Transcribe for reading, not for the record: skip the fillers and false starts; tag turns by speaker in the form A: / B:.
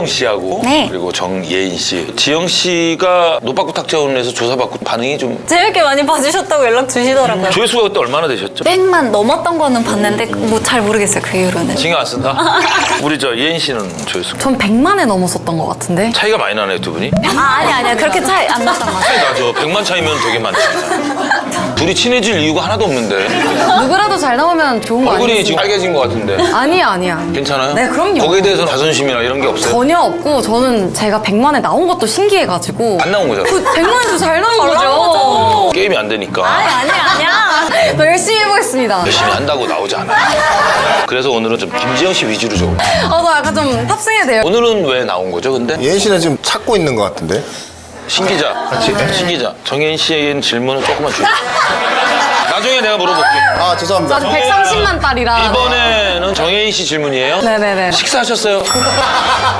A: 김지영 씨하고
B: 네.
A: 그리고 정예인 씨. 지영 씨가 노빠꾸 탁재훈에서 조사받고 반응이 좀
B: 재밌게 많이 봐주셨다고 연락 주시더라고요.
A: 조회수가 그때 얼마나 되셨죠?
B: 100만 넘었던 거는 봤는데 뭐 잘 모르겠어요, 그 이후로는.
A: 신경 안 쓴다? 우리 저 예인 씨는 조회수
C: 전 100만에 넘었었던 것 같은데.
A: 차이가 많이 나네 두 분이?
B: 아니야. 그렇게 차이 안 났던 것 같아요.
A: 차이 나죠. 100만 차이면 되게 많지. 둘이 친해질 이유가 하나도 없는데
C: 누구라도 잘 나오면 좋은 거
A: 얼굴이
C: 아니에요?
A: 지금 빨개진 것 같은데
C: 아니야.
A: 괜찮아요?
C: 네, 그럼요.
A: 거기에 대해서는 자존심이나 이런 게 없어요?
C: 전혀 없고 저는 제가 100만에 나온 것도 신기해가지고
A: 안 나온 거잖아.
C: 그 100만에도 잘 나온 거죠.
A: 게임이 안 되니까
B: 아니야.
C: 더 열심히 해보겠습니다.
A: 열심히 한다고 나오지 않아요. 그래서 오늘은 좀 김지영 씨 위주로 좀.
C: 저 약간 좀 탑승해야 돼요.
A: 오늘은 왜 나온 거죠 근데?
D: 예인 씨는 지금 찾고 있는 것 같은데?
A: 신 기자. 신 기자. 정혜인 씨의 질문은 조금만 줄여. 나중에 내가 물어볼게.
D: 아 죄송합니다.
C: 아직 130만 달이라.
A: 이번에는 정혜인 씨 질문이에요?
C: 네네네.
A: 식사하셨어요?